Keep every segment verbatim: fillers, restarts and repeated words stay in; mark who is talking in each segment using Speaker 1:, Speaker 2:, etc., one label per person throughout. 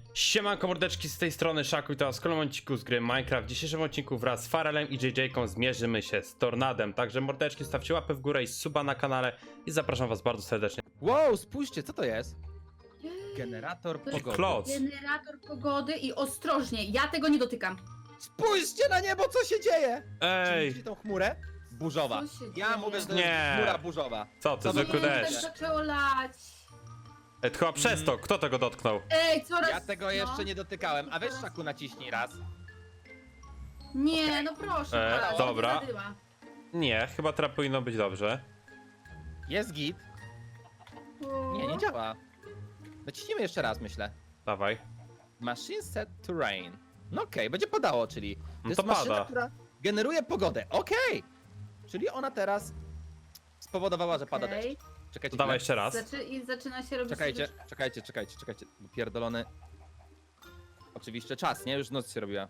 Speaker 1: Siemanko mordeczki, z tej strony Szaku i to w kolejnym odcinku z gry Minecraft. W dzisiejszym odcinku wraz z Farelem i J J-ką zmierzymy się z Tornadem. Także mordeczki, stawcie łapę w górę i suba na kanale i zapraszam was bardzo serdecznie.
Speaker 2: Wow, spójrzcie, co to jest? Generator
Speaker 3: To jest
Speaker 2: pogody.
Speaker 1: Kloc.
Speaker 3: Generator pogody i ostrożnie, ja tego nie dotykam.
Speaker 2: Spójrzcie na niebo, co się dzieje! Czy
Speaker 1: Ej,
Speaker 2: widzicie tą chmurę? Burzowa.
Speaker 3: Co się
Speaker 2: Ja
Speaker 3: dzieje?
Speaker 2: mówię, że to
Speaker 1: Nie.
Speaker 2: jest chmura burzowa.
Speaker 1: co ty,
Speaker 2: Co
Speaker 1: zwykły
Speaker 2: wy-
Speaker 3: Nie,
Speaker 1: deszcz.
Speaker 3: tak zaczęło lać.
Speaker 1: Ej, to chyba przez to, kto tego dotknął?
Speaker 3: Ej, coraz...
Speaker 2: Ja tego
Speaker 3: no.
Speaker 2: jeszcze nie dotykałem, a weź Szaku naciśnij raz.
Speaker 3: Nie,
Speaker 2: Okej.
Speaker 3: no proszę.
Speaker 1: E,
Speaker 3: proszę,
Speaker 1: dobra.
Speaker 3: nie zadyma.
Speaker 1: Nie, chyba teraz powinno być dobrze.
Speaker 2: Jest git. Nie, nie działa. Naciśnijmy jeszcze raz, myślę.
Speaker 1: Dawaj.
Speaker 2: Machine set to rain. No okej, będzie padało, czyli to
Speaker 1: No
Speaker 2: jest
Speaker 1: to
Speaker 2: maszyna,
Speaker 1: pada.
Speaker 2: która generuje pogodę. Okej! Czyli ona teraz spowodowała, że pada
Speaker 3: Okej.
Speaker 2: deszcz. Czekajcie,
Speaker 1: To dawaj
Speaker 2: chwilę.
Speaker 1: jeszcze raz.
Speaker 3: Zaczy... I zaczyna się robić...
Speaker 2: Czekajcie, czekajcie, czekajcie, czekajcie. Pierdolony. Oczywiście czas, nie? Już noc się robiła.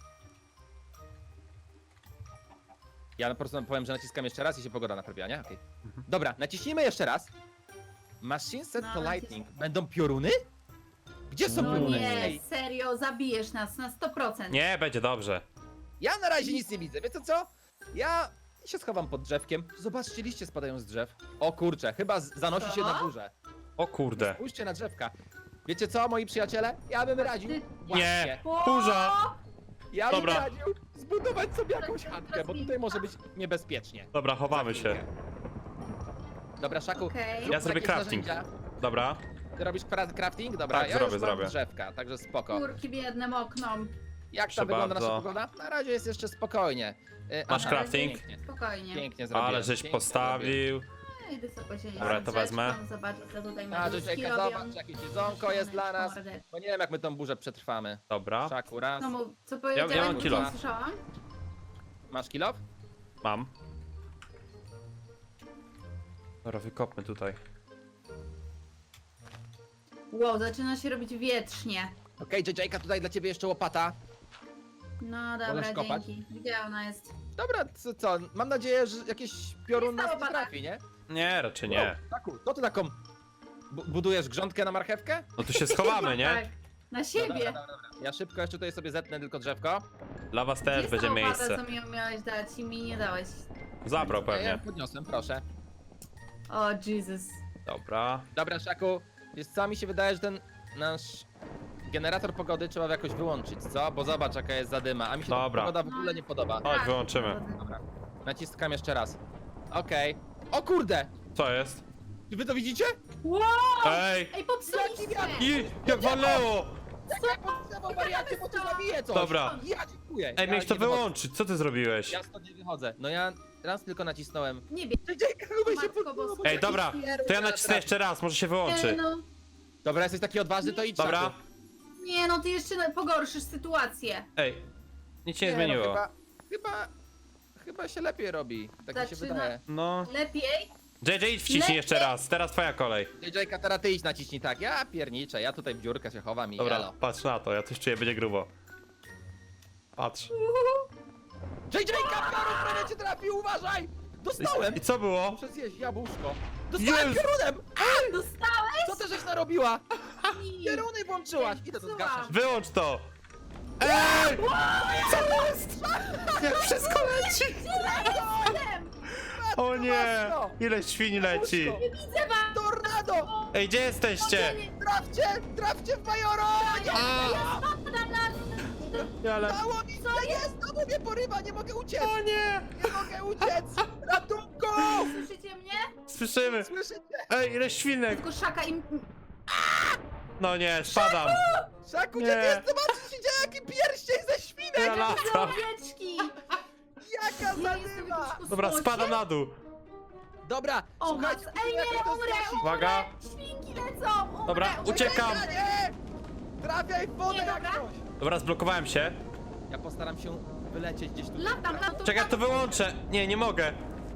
Speaker 2: Ja po prostu powiem, że naciskam jeszcze raz i się pogoda naprawiła, nie? Okej. Dobra, naciśnijmy jeszcze raz. Machine set
Speaker 3: No,
Speaker 2: to
Speaker 3: nacis-
Speaker 2: lightning. Będą pioruny? Gdzie są
Speaker 3: No
Speaker 2: pioruny?
Speaker 3: nie,
Speaker 2: Ej,
Speaker 3: serio, zabijesz nas na sto procent.
Speaker 1: Nie, będzie dobrze.
Speaker 2: ja na razie nic nie widzę, wiecie co? Ja się schowam pod drzewkiem. Zobaczcie, liście spadają z drzew. O kurczę, chyba z- zanosi się
Speaker 3: Co?
Speaker 2: na górze.
Speaker 1: O kurde.
Speaker 2: Spójrzcie na drzewka. Wiecie co, moi przyjaciele? Ja bym radził.
Speaker 3: Ty-
Speaker 2: Właśnie.
Speaker 3: O!
Speaker 1: Kurza.
Speaker 2: Ja bym
Speaker 1: Dobra.
Speaker 2: radził zbudować sobie jakąś
Speaker 3: Teraz-
Speaker 2: chatkę,
Speaker 3: teraz
Speaker 2: bo
Speaker 3: mi-
Speaker 2: tutaj może być niebezpiecznie.
Speaker 1: Dobra, chowamy
Speaker 2: Za
Speaker 1: się.
Speaker 2: chwilkę. Dobra, Szaku,
Speaker 3: Okej.
Speaker 2: zrób
Speaker 1: Ja zrobię
Speaker 2: jakieś
Speaker 1: crafting.
Speaker 2: narzędzia.
Speaker 1: Dobra.
Speaker 2: Ty robisz pra- crafting? Dobra,
Speaker 1: Tak,
Speaker 2: ja
Speaker 1: zrobię,
Speaker 2: już mam
Speaker 1: zrobię.
Speaker 2: drzewka, także spoko.
Speaker 3: Kurki biednym oknom.
Speaker 2: Jak
Speaker 1: Proszę
Speaker 2: tam wygląda nasza
Speaker 1: bardzo.
Speaker 2: pogoda? Na razie jest jeszcze spokojnie. Y,
Speaker 1: Masz
Speaker 2: aha,
Speaker 1: crafting?
Speaker 2: Pięknie,
Speaker 3: Spokojnie.
Speaker 2: pięknie zrobiłem.
Speaker 1: Ale żeś
Speaker 2: pięknie
Speaker 1: postawił.
Speaker 3: Ej, wysoko się
Speaker 1: Dobra, to wezmę.
Speaker 3: Zobacz, co tutaj
Speaker 2: A,
Speaker 3: meduski
Speaker 2: Jessica,
Speaker 3: robią.
Speaker 2: zobacz, jakie jedzonko jest dla nas.
Speaker 3: Mordę.
Speaker 2: Bo nie wiem, jak my tą burzę przetrwamy.
Speaker 1: Dobra.
Speaker 2: Szaku, raz.
Speaker 3: No mów, co
Speaker 1: ja
Speaker 3: powiedziałem,
Speaker 1: mam
Speaker 3: ja,
Speaker 1: kilo.
Speaker 3: nie słyszałam?
Speaker 2: Masz kilof?
Speaker 1: Mam. Dobra, wykopmy tutaj.
Speaker 3: Wow, zaczyna się robić wietrznie.
Speaker 2: Okej, okay, J J-ka, tutaj dla ciebie jeszcze łopata.
Speaker 3: No dobra,
Speaker 2: Wolesz kopać?
Speaker 3: dzięki. Gdzie ona jest?
Speaker 2: Dobra, co, co? Mam nadzieję, że jakiś piorun
Speaker 3: Jest ta
Speaker 2: nas nie
Speaker 3: łopata.
Speaker 2: trafi, nie?
Speaker 1: Nie, raczej nie.
Speaker 2: Taku, to ty taką bu budujesz grządkę na marchewkę?
Speaker 1: No tu się schowamy, nie?
Speaker 3: Tak, na siebie.
Speaker 2: Dobra, dobra, dobra. Ja szybko jeszcze tutaj sobie zetnę tylko drzewko.
Speaker 1: Dla was
Speaker 3: Gdzie
Speaker 1: też
Speaker 3: jest
Speaker 1: będzie
Speaker 3: ta łopata,
Speaker 1: miejsce.
Speaker 3: co mi ją miałeś dać i mi nie dałeś?
Speaker 1: Zabrał
Speaker 2: Ja ją
Speaker 1: pewnie.
Speaker 2: podniosłem, proszę.
Speaker 3: O, Jesus.
Speaker 1: Dobra.
Speaker 2: Dobra, Szaku, wiesz co, mi się wydaje, że ten nasz generator pogody trzeba jakoś wyłączyć, co? Bo zobacz, jaka jest zadyma, a mi się ta
Speaker 1: Dobra.
Speaker 2: pogoda w ogóle nie podoba.
Speaker 1: Chodź, wyłączymy.
Speaker 2: Dobra, naciskam jeszcze raz. Okej. O kurde!
Speaker 1: Co jest?
Speaker 2: Czy wy to widzicie?
Speaker 3: Wow!
Speaker 1: Ej!
Speaker 3: Ej, popsuliście!
Speaker 1: I jak walnęło!
Speaker 2: Jak podstawowe wariacie, bo to zabije coś!
Speaker 1: Dobra.
Speaker 2: Ja dziękuję.
Speaker 1: Ej,
Speaker 2: ja
Speaker 1: miałeś to
Speaker 2: nie wychodzę.
Speaker 1: wyłączyć, co ty zrobiłeś?
Speaker 2: Ja stąd nie wychodzę. No ja raz tylko nacisnąłem.
Speaker 3: Nie bierz.
Speaker 2: J J, chyba się
Speaker 3: Matko
Speaker 2: podbiło,
Speaker 3: Boska.
Speaker 2: bo
Speaker 1: Ej,
Speaker 2: taki
Speaker 1: dobra,
Speaker 2: pierun
Speaker 1: to ja
Speaker 2: na
Speaker 1: nacisnę
Speaker 2: traf-
Speaker 1: jeszcze raz, może się
Speaker 3: Nie
Speaker 1: wyłączy.
Speaker 3: no,
Speaker 2: Dobra, jesteś taki odważny, to idź.
Speaker 1: Dobra.
Speaker 2: Szaku.
Speaker 3: nie no, ty jeszcze na- pogorszysz sytuację.
Speaker 1: Ej, nic się nie
Speaker 2: No,
Speaker 1: zmieniło.
Speaker 2: chyba, chyba, chyba się lepiej robi. Tak mi się
Speaker 3: Zaczyna-
Speaker 2: wydaje.
Speaker 1: No.
Speaker 3: Lepiej?
Speaker 1: J J, idź wciśnij
Speaker 3: Lepiej.
Speaker 1: jeszcze raz, teraz twoja kolej.
Speaker 2: J J, teraz ty idź naciśnij tak. Ja pierniczę, ja tutaj w dziurkę się chowam i
Speaker 1: Dobra,
Speaker 2: elo.
Speaker 1: patrz na to, ja coś czuję, będzie grubo. Patrz.
Speaker 2: J J, piorun prawie cię trafił, uważaj! Dostałem!
Speaker 1: I co było?
Speaker 2: Muszę zjeść jabłuszko. Dostałem
Speaker 1: Jezu.
Speaker 2: piorunem!
Speaker 3: Dostałeś?
Speaker 2: Co ty żeś narobiła?
Speaker 3: Mi.
Speaker 2: Pieruny włączyłaś! Idę to zgaszać.
Speaker 1: Wyłącz to! Ej! Co jest? Jak wszystko leci!
Speaker 3: Jestem!
Speaker 1: O nie! Ile świń leci!
Speaker 3: Nie widzę was!
Speaker 2: Tornado!
Speaker 1: Ej, gdzie jesteście?
Speaker 2: Trafcie! Trafcie w Majoro! Nie!
Speaker 1: A!
Speaker 3: Spadam na...
Speaker 1: Ale...
Speaker 2: Dało mi się! Jest! To mnie porywa! Nie mogę uciec!
Speaker 1: O nie!
Speaker 2: Nie mogę uciec! Ratunku!
Speaker 3: Słyszycie mnie?
Speaker 1: Słyszymy!
Speaker 2: Słyszycie?
Speaker 1: Ej, ile świnek!
Speaker 3: Tylko szaka im...
Speaker 1: No nie, spadam!
Speaker 2: Szaku,
Speaker 1: Nie.
Speaker 2: gdzie ty jest? Zobaczcie się dzieje, jaki pierścień ze świnek!
Speaker 1: Ja latam!
Speaker 3: Owieczki!
Speaker 2: Jaka
Speaker 3: Ja jestem w
Speaker 2: zadyma!
Speaker 3: jakimś
Speaker 1: Dobra,
Speaker 3: kosmosie?
Speaker 1: spadam na dół!
Speaker 2: Dobra,
Speaker 3: O,
Speaker 2: słuchajcie,
Speaker 3: mas- Ej,
Speaker 2: jak
Speaker 3: nie,
Speaker 2: to
Speaker 3: umrę,
Speaker 2: zgasić.
Speaker 3: umrę!
Speaker 1: Uwaga.
Speaker 3: Świnki lecą! Umrę,
Speaker 1: Dobra,
Speaker 3: umrę.
Speaker 1: uciekam.
Speaker 2: Nie! Trafiaj w wodę
Speaker 3: Nie,
Speaker 2: jak
Speaker 3: dobra.
Speaker 2: coś!
Speaker 1: Dobra, zblokowałem się.
Speaker 2: Ja postaram się wylecieć gdzieś tu.
Speaker 3: Latam, latam.
Speaker 1: Czekaj, ja to wyłączę! Nie, nie mogę!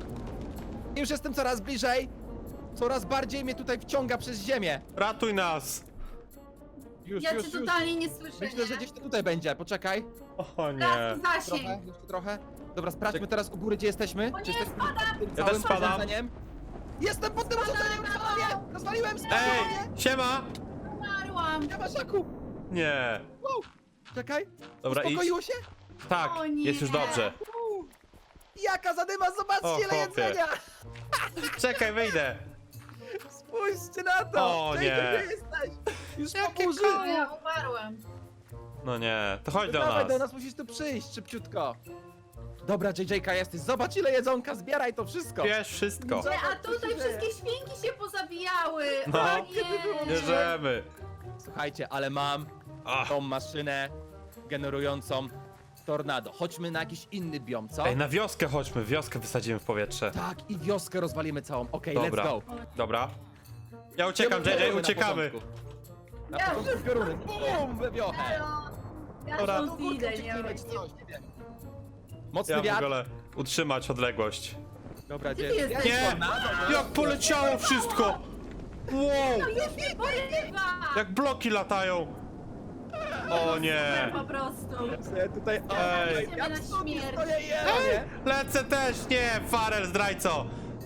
Speaker 2: Już jestem coraz bliżej. Coraz bardziej mnie tutaj wciąga przez ziemię.
Speaker 1: Ratuj nas!
Speaker 2: Już,
Speaker 3: Ja
Speaker 2: już,
Speaker 3: cię
Speaker 2: już.
Speaker 3: totalnie nie słyszę,
Speaker 2: Myślę, że
Speaker 3: nie?
Speaker 2: gdzieś to tutaj będzie. Poczekaj.
Speaker 1: O nie!
Speaker 3: Teraz
Speaker 2: Trochę,
Speaker 3: zasięg.
Speaker 2: jeszcze trochę. Dobra, sprawdźmy teraz u góry, gdzie jesteśmy.
Speaker 3: O nie,
Speaker 2: Czy jesteśmy
Speaker 3: spadam.
Speaker 2: tym
Speaker 1: Ja
Speaker 2: całym
Speaker 1: też spadam.
Speaker 2: urządzeniem? Jestem pod tym urządzeniem! Rozwaliłem! Rozwaliłem! Spadłem!
Speaker 1: Ej! Siema!
Speaker 3: Umarłam.
Speaker 2: Nie ma Szaku!
Speaker 1: Nie.
Speaker 2: Czekaj,
Speaker 1: Dobra, idź.
Speaker 2: uspokoiło się?
Speaker 1: Tak,
Speaker 3: O nie.
Speaker 1: jest już dobrze.
Speaker 2: Uuu, Jaka zadyma, zobaczcie
Speaker 1: O,
Speaker 2: ile
Speaker 1: chłopie.
Speaker 2: jedzenia!
Speaker 1: Czekaj, wyjdę.
Speaker 2: Spójrzcie na to!
Speaker 1: O,
Speaker 2: J J,
Speaker 1: nie.
Speaker 2: gdzie jesteś? Już po
Speaker 1: Jakie
Speaker 2: burzy!
Speaker 1: koło?
Speaker 3: Ja umarłam.
Speaker 1: No nie, to chodź do
Speaker 2: Dawaj
Speaker 1: nas.
Speaker 2: do nas, musisz tu przyjść szybciutko. Dobra, J J K jesteś, zobacz ile jedzonka, zbieraj to wszystko.
Speaker 1: Bierz wszystko.
Speaker 3: Nie, a
Speaker 2: Zobacz, co
Speaker 3: tutaj
Speaker 2: się
Speaker 3: wszystkie
Speaker 2: dzieje.
Speaker 3: świnki się pozabijały.
Speaker 1: No.
Speaker 3: O
Speaker 2: Kiedy było
Speaker 3: nie.
Speaker 1: Bierzemy.
Speaker 2: Słuchajcie, ale mam
Speaker 1: Ach.
Speaker 2: tą maszynę generującą tornado. Chodźmy na jakiś inny biom, co?
Speaker 1: Ej, na wioskę chodźmy, wioskę wysadzimy w powietrze.
Speaker 2: Tak, i wioskę rozwalimy całą. Okej,
Speaker 1: Dobra.
Speaker 2: let's go.
Speaker 1: Dobra. Ja uciekam,
Speaker 2: Gdzie
Speaker 1: J J,
Speaker 2: pioruny na
Speaker 1: uciekamy.
Speaker 2: początku? Na
Speaker 3: Ja
Speaker 2: początku
Speaker 3: już-
Speaker 2: pioruny. Bum, we wiochę.
Speaker 3: Elo. Ja
Speaker 1: Dobra.
Speaker 3: stąd idę, nie wiem.
Speaker 2: Mocny
Speaker 1: Ja w
Speaker 2: wiatr.
Speaker 1: ogóle utrzymać odległość.
Speaker 2: Dobra,
Speaker 3: Gdzie
Speaker 2: gdzie?
Speaker 3: ty jesteś?
Speaker 1: Nie!
Speaker 2: Tornado,
Speaker 1: Jak poleciało wszystko! Wow!
Speaker 3: No już mnie porywa!
Speaker 1: Jak bloki latają! O nie!
Speaker 3: Po prostu.
Speaker 2: Ja tutaj...
Speaker 1: Ej.
Speaker 2: Ja
Speaker 3: Na
Speaker 2: w sobie
Speaker 3: śmierć.
Speaker 2: stoję i jem, nie?
Speaker 1: Lecę też! Nie! Farel, zdrajco!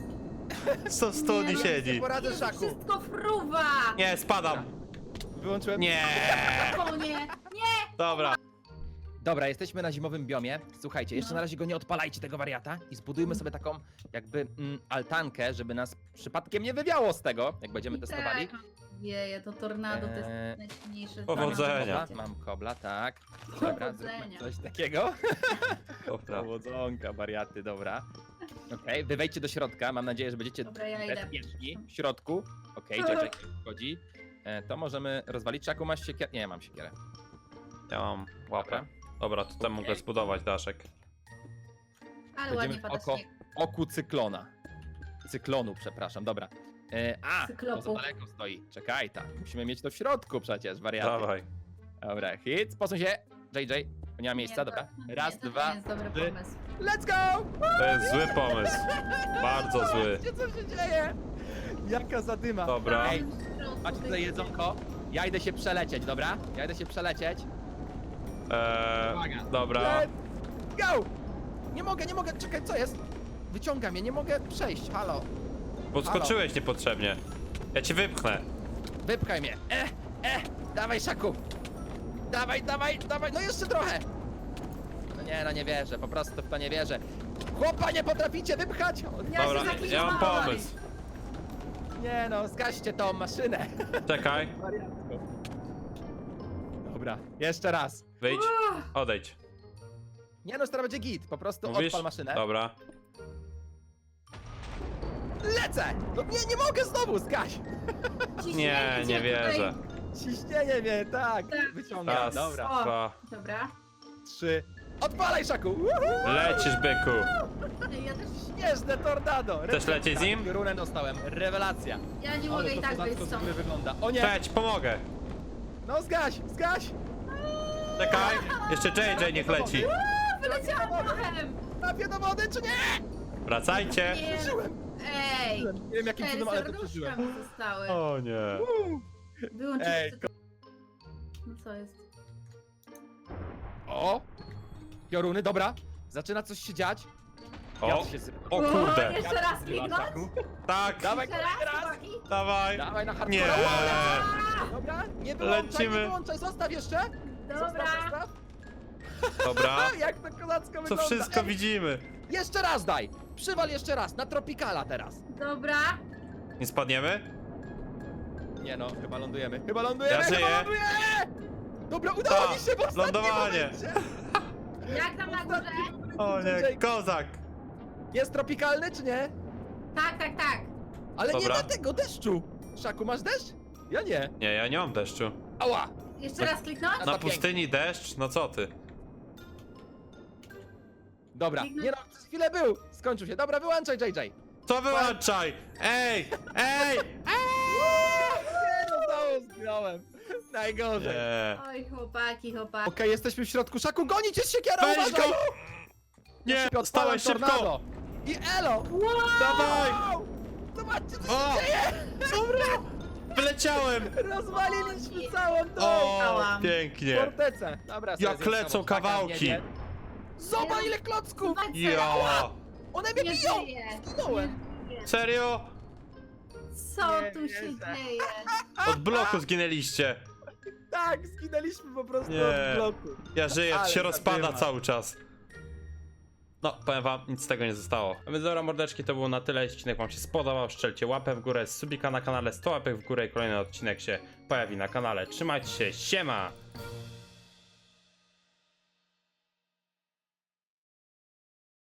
Speaker 1: Co stu nie
Speaker 3: Nie,
Speaker 1: siedzi?
Speaker 2: poradzę,
Speaker 3: Jezu,
Speaker 2: Szaku.
Speaker 3: wszystko fruwa!
Speaker 1: Nie, spadam!
Speaker 2: Wyłączyłem...
Speaker 1: Nie!
Speaker 3: O nie! Nie!
Speaker 1: Dobra.
Speaker 2: Dobra, jesteśmy na zimowym biomie. Słuchajcie, jeszcze na razie go nie odpalajcie, tego wariata. I zbudujmy sobie taką jakby mm, altankę, żeby nas przypadkiem nie wywiało z tego, jak będziemy testowali.
Speaker 3: Tak. Jeje, to tornado to
Speaker 2: Eee,
Speaker 3: jest najsilniejsze.
Speaker 1: Powodzenia.
Speaker 3: tornado.
Speaker 2: Kobla, mam kobla, tak. Dobra, zróbmy
Speaker 3: Powodzenia.
Speaker 2: coś takiego.
Speaker 1: Dobra.
Speaker 2: Powodzonka, wariaty, dobra. Okej, wy wejdźcie do środka, mam nadzieję, że będziecie
Speaker 3: Dobra, ja idę.
Speaker 2: bezpieczni w środku. Okej, okay, Jack wchodzi. E, to możemy rozwalić. Czaku, masz siekierę? Nie, ja mam siekierę.
Speaker 1: Ja mam łapę.
Speaker 2: Dobra.
Speaker 1: Dobra, tutaj mogę zbudować daszek.
Speaker 3: Ale
Speaker 2: Będziemy
Speaker 3: ładnie
Speaker 2: w
Speaker 3: pada
Speaker 2: oko,
Speaker 3: śnieg.
Speaker 2: oku cyklona. Cyklonu, przepraszam, dobra. E, a,
Speaker 3: Cyklopu.
Speaker 2: to za daleko stoi. Czekaj, tak. Musimy mieć to w środku przecież, wariaty.
Speaker 1: Dawaj.
Speaker 2: Dobra, hit, posuń się. J J, nie ma miejsca,
Speaker 3: Nie,
Speaker 2: dobra.
Speaker 3: to-
Speaker 2: Raz,
Speaker 3: nie, to
Speaker 2: dwa,
Speaker 3: nie jest dobry
Speaker 2: trzy.
Speaker 3: pomysł.
Speaker 2: let's go!
Speaker 1: To jest zły pomysł. Bardzo zły.
Speaker 2: Zobaczcie, co się dzieje. Jaka zadyma.
Speaker 1: Dobra.
Speaker 2: Ej, macie tutaj jedzonko. Ja idę się przelecieć, dobra? Ja idę się przelecieć.
Speaker 1: Eee,
Speaker 2: Uwaga.
Speaker 1: dobra.
Speaker 2: Let's go! Nie mogę, nie mogę, czekaj, co jest? Wyciąga mnie, nie mogę przejść, halo.
Speaker 1: Podskoczyłeś niepotrzebnie. Ja cię wypchnę.
Speaker 2: Wypchaj mnie. E, e, dawaj, Szaku. Dawaj, dawaj, dawaj, no jeszcze trochę. No nie, no nie wierzę, po prostu w to nie wierzę. Chłopa, nie potraficie wypchać! O,
Speaker 3: Ja
Speaker 1: Dobra,
Speaker 3: się zaklinowałam.
Speaker 1: ja mam pomysł.
Speaker 2: nie no, zgaście tą maszynę.
Speaker 1: Czekaj,
Speaker 2: Dobra, jeszcze raz.
Speaker 1: wyjdź, odejdź.
Speaker 2: Nie no, teraz będzie git, po prostu
Speaker 1: Mówisz?
Speaker 2: odpal maszynę.
Speaker 1: Dobra.
Speaker 2: Lecę! No nie, nie mogę znowu, zgaś!
Speaker 1: Nie,
Speaker 3: Ciśnięcie
Speaker 1: nie wierzę.
Speaker 2: Ciśnienie mnie, tak,
Speaker 3: Tak.
Speaker 2: wyciągam,
Speaker 1: Raz,
Speaker 2: dobra.
Speaker 3: O.
Speaker 1: dwa.
Speaker 3: Dobra.
Speaker 2: Trzy. Odpalaj, Szaku! Uhu!
Speaker 1: Lecisz, byku.
Speaker 3: Ej, Ja też...
Speaker 2: Śnieżne tornado!
Speaker 1: Chcesz lecieć z nim?
Speaker 2: Runę dostałem, rewelacja.
Speaker 3: Ja nie
Speaker 2: Ale
Speaker 3: mogę i
Speaker 2: to
Speaker 3: tak
Speaker 2: kozacko
Speaker 3: wyjść
Speaker 2: z
Speaker 3: stąd.
Speaker 2: góry wygląda. O nie!
Speaker 1: Cześć, pomogę.
Speaker 2: No zgaś, zgaś!
Speaker 1: Czekaj, jeszcze J J niech leci.
Speaker 3: Wyleciałam prochem!
Speaker 2: Trafię do wody, czy nie?
Speaker 1: Wracajcie.
Speaker 3: Nie.
Speaker 2: Przeżyłem!
Speaker 3: Ej!
Speaker 2: Nie wiem jakim
Speaker 3: Cztery
Speaker 2: cudem, ale to
Speaker 3: serduszka
Speaker 2: przeżyłem.
Speaker 3: mi zostały.
Speaker 1: O nie.
Speaker 3: Wyłączyłem
Speaker 2: Ej,
Speaker 3: tylko... No co jest?
Speaker 2: O! Pioruny, dobra. Zaczyna coś się dziać.
Speaker 1: O,
Speaker 2: Wiatr się sypie.
Speaker 1: o kurde.
Speaker 3: Jeszcze raz kliknąć?
Speaker 1: Tak,
Speaker 2: Dawaj,
Speaker 3: Jeszcze
Speaker 2: kolejny
Speaker 3: raz,
Speaker 2: raz!
Speaker 3: chłopaki?
Speaker 1: dawaj.
Speaker 2: Dawaj na hardcore.
Speaker 1: Nie.
Speaker 2: Dobra, nie wyłączaj,
Speaker 1: Lecimy.
Speaker 2: nie wyłączaj, zostaw jeszcze! Zostaw,
Speaker 3: Dobra.
Speaker 2: zostaw.
Speaker 1: Dobra.
Speaker 2: A, jak to kozacko
Speaker 1: Co
Speaker 2: wygląda.
Speaker 1: wszystko
Speaker 2: Ej,
Speaker 1: widzimy.
Speaker 2: Jeszcze raz daj! Przywal jeszcze raz, na Tropicala teraz.
Speaker 3: Dobra.
Speaker 1: Nie spadniemy?
Speaker 2: Nie no, chyba lądujemy. Chyba lądujemy,
Speaker 1: Ja
Speaker 2: chyba
Speaker 1: żyję.
Speaker 2: lądujemy! Dobra, udało
Speaker 1: Ta,
Speaker 2: mi się w ostatnim
Speaker 1: lądowanie.
Speaker 2: momencie.
Speaker 3: Jak tam na górze?
Speaker 1: O nie, kozak.
Speaker 2: Jest tropikalny, czy nie?
Speaker 3: Tak, tak, tak.
Speaker 2: Ale
Speaker 1: Dobra.
Speaker 2: nie ma tego deszczu! Szaku, masz deszcz? Ja nie.
Speaker 1: Nie, ja nie mam deszczu.
Speaker 2: Ała!
Speaker 3: Jeszcze raz kliknąć?
Speaker 2: No
Speaker 1: Na
Speaker 2: to
Speaker 1: pustyni deszcz? No co ty?
Speaker 2: Dobra,
Speaker 3: Kliknąć?
Speaker 2: nie no, przez chwilę był! Skończył się. Dobra, wyłączaj, J J.
Speaker 1: To wyłączaj! Ej! Ej!
Speaker 2: Nie no, znowu zginąłem. Najgorzej. Okej,
Speaker 1: Nie.
Speaker 3: Oj, chłopaki, chłopaki.
Speaker 2: jesteśmy w środku. Szaku, gonić jest siekiera,
Speaker 1: Weź
Speaker 2: uważaj!
Speaker 1: go! Nie,
Speaker 2: Szybko odpalam
Speaker 1: stałeś szybko!
Speaker 2: tornado. I elo!
Speaker 1: Dawaj!
Speaker 2: Wow! Zobaczcie, co
Speaker 1: O!
Speaker 2: się dzieje!
Speaker 1: Dobra! Wyleciałem!
Speaker 2: Rozwaliliśmy całą tą
Speaker 1: O,
Speaker 3: Dałam.
Speaker 1: pięknie!
Speaker 2: fortecę. Dobra, sobie
Speaker 1: Jak
Speaker 2: zjem
Speaker 1: lecą
Speaker 2: znowu szaka,
Speaker 1: kawałki.
Speaker 2: nie, nie. Zobacz ile klocków!
Speaker 1: Ja!
Speaker 2: One mnie
Speaker 3: Nie
Speaker 2: biją!
Speaker 3: żyję.
Speaker 2: Zginąłem!
Speaker 3: Nie żyję.
Speaker 1: Serio?
Speaker 3: Co
Speaker 2: Nie
Speaker 3: tu się
Speaker 2: wierzę.
Speaker 3: dzieje?
Speaker 1: Od bloku zginęliście.
Speaker 2: Tak, zginęliśmy po prostu
Speaker 1: Nie.
Speaker 2: od bloku.
Speaker 1: Ja żyję,
Speaker 2: Ale
Speaker 1: się rozpada
Speaker 2: zadyma.
Speaker 1: cały czas. No, powiem wam, nic z tego nie zostało. A więc dobra, mordeczki, to było na tyle. Jeśli odcinek wam się spodobał, strzelcie łapę w górę, subika na kanale, sto łapek w górę i kolejny odcinek się pojawi na kanale. Trzymajcie się, siema!